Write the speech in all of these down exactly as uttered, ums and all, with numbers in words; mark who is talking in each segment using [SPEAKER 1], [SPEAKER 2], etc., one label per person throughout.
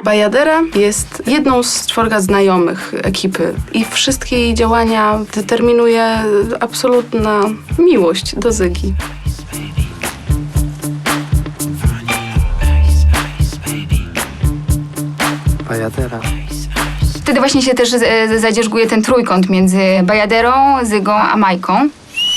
[SPEAKER 1] Bajadera jest jedną z czworga znajomych ekipy i wszystkie jej działania determinuje absolutna miłość do Zygi.
[SPEAKER 2] Bajadera.
[SPEAKER 3] Wtedy właśnie się też e, zadzierzguje ten trójkąt między Bajaderą, Zygą a Majką.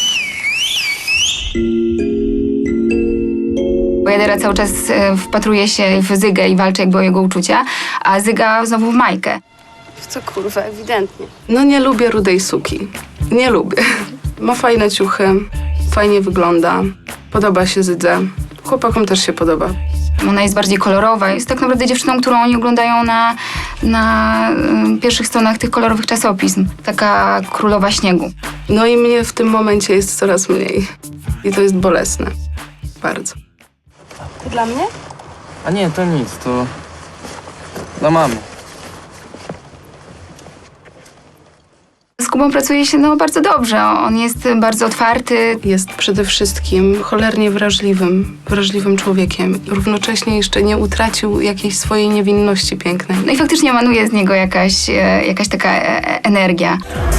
[SPEAKER 3] Bajadera cały czas e, wpatruje się w Zygę i walczy jakby o jego uczucia, a Zyga znowu w Majkę.
[SPEAKER 4] Co kurwa, ewidentnie.
[SPEAKER 1] No nie lubię rudej suki. Nie lubię. Ma fajne ciuchy, fajnie wygląda, podoba się Zydze. Chłopakom też się podoba.
[SPEAKER 3] Ona jest bardziej kolorowa. Jest tak naprawdę dziewczyną, którą oni oglądają na, na y, pierwszych stronach tych kolorowych czasopism. Taka królowa śniegu.
[SPEAKER 1] No i mnie w tym momencie jest coraz mniej. I to jest bolesne. Bardzo.
[SPEAKER 4] To dla mnie?
[SPEAKER 2] A nie, to nic, to dla mamy.
[SPEAKER 3] Z Kubą pracuje się no, bardzo dobrze. On jest bardzo otwarty.
[SPEAKER 1] Jest przede wszystkim cholernie wrażliwym, wrażliwym człowiekiem. Równocześnie jeszcze nie utracił jakiejś swojej niewinności pięknej.
[SPEAKER 3] No i faktycznie emanuje z niego jakaś, e, jakaś taka e, energia.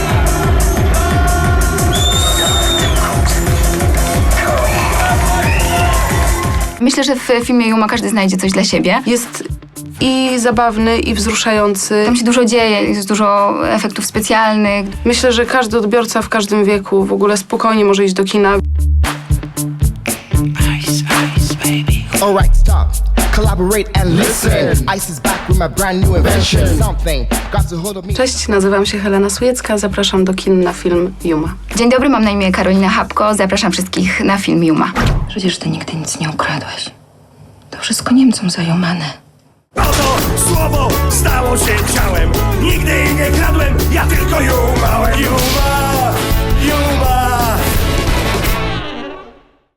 [SPEAKER 3] Myślę, że w filmie Yuma każdy znajdzie coś dla siebie.
[SPEAKER 1] Jest i zabawny, i wzruszający.
[SPEAKER 3] Tam się dużo dzieje, jest dużo efektów specjalnych.
[SPEAKER 1] Myślę, że każdy odbiorca w każdym wieku w ogóle spokojnie może iść do kina.
[SPEAKER 5] Alright, stop. Collaborate and listen. Ice is back with my brand new invention. Something got to hold of me.
[SPEAKER 1] Cześć, nazywam się Helena Sujecka, zapraszam do kin na film Yuma.
[SPEAKER 3] Dzień dobry, mam na imię Karolina Habko. Zapraszam wszystkich na film Yuma.
[SPEAKER 6] Przecież ty nigdy nic nie ukradłaś. To wszystko Niemcom zajomane.
[SPEAKER 7] Oto słowo stało się ciałem. Nigdy nie kradłem, ja tylko ją mam.